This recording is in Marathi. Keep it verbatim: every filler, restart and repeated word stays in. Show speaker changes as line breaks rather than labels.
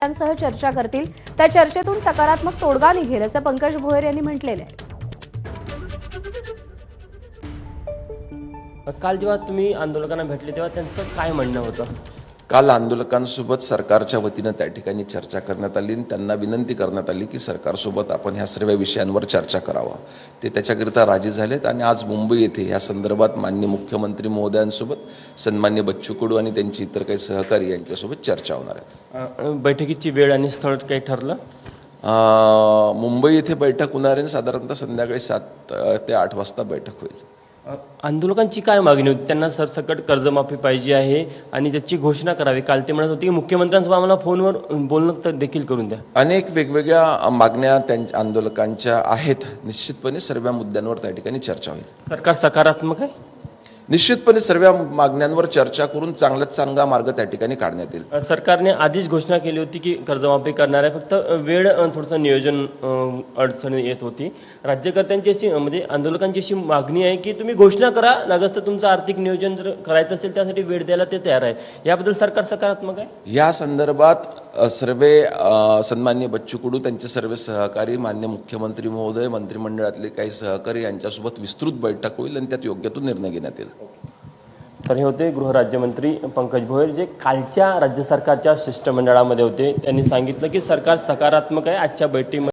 सह चर्चा करतील। त्या चर्चेतून सकारात्मक तोडगा निघेल असं पंकज भोयर यांनी म्हटलेलं आहे।
काल जेव्हा तुम्ही आंदोलकांना भेटले तेव्हा त्यांचं काय म्हणणं होतं?
काल आंदोलकांसोबत सरकारच्या वतीनं त्या ठिकाणी चर्चा करण्यात आली आणि त्यांना विनंती करण्यात आली की सरकारसोबत आपण ह्या सर्व विषयांवर चर्चा करावा। ते त्याच्याकरिता राजी झालेत आणि आज मुंबई येथे या संदर्भात माननीय मुख्यमंत्री महोदयांसोबत सन्माननीय बच्चू कडू आणि त्यांची इतर काही सहकारी यांच्यासोबत चर्चा होणार आहे।
बैठकीची वेळ आणि स्थळ काही ठरलं?
मुंबई येथे बैठक होणार आहे। साधारणतः संध्याकाळी सात ते आठ वाजता बैठक होईल।
आंदोलकांची काय मागणी होती? त्यांना सरसकट कर्जमाफी पाहिजे आहे आणि त्याची घोषणा करावी। काल ते म्हणत होते की मुख्यमंत्र्यांसोबत आम्हाला फोनवर बोलणं तर देखील करून द्या।
अनेक वेगवेगळ्या मागण्या त्यांच्या आंदोलकांच्या आहेत। निश्चितपणे सर्व मुद्द्यांवर त्या ठिकाणी चर्चा होईल।
सरकार सकारात्मक आहे?
निश्चितपणे सर्व मागण्यांवर चर्चा करून चांगल्यात चांगला मार्ग त्या ठिकाणी काढण्यात येईल।
सरकारने आधीच घोषणा केली होती की कर्जमाफी करणार आहे, फक्त वेळ थोडंसं नियोजन अडचणी येत होती। राज्यकर्त्यांची अशी म्हणजे आंदोलकांची अशी मागणी आहे की तुम्ही घोषणा करा, लागत तर तुमचं आर्थिक नियोजन जर करायचं असेल त्यासाठी वेळ द्यायला ते तयार आहे। याबद्दल सरकार सकारात्मक आहे?
या संदर्भात सर्व सन्माननीय बच्चू कडू, त्यांचे सर्व सहकारी, माननीय मुख्यमंत्री महोदय, मंत्रिमंडळातले काही सहकारी यांच्यासोबत विस्तृत बैठक होईल आणि त्यात योग्य तो निर्णय घेण्यात येईल।
तर हे होते गृहराज्यमंत्री पंकज भोयर, जे कालच्या राज्य सरकारच्या शिष्टमंडळामध्ये होते। त्यांनी सांगितलं की सरकार सकारात्मक आहे। आजच्या बैठकीमध्ये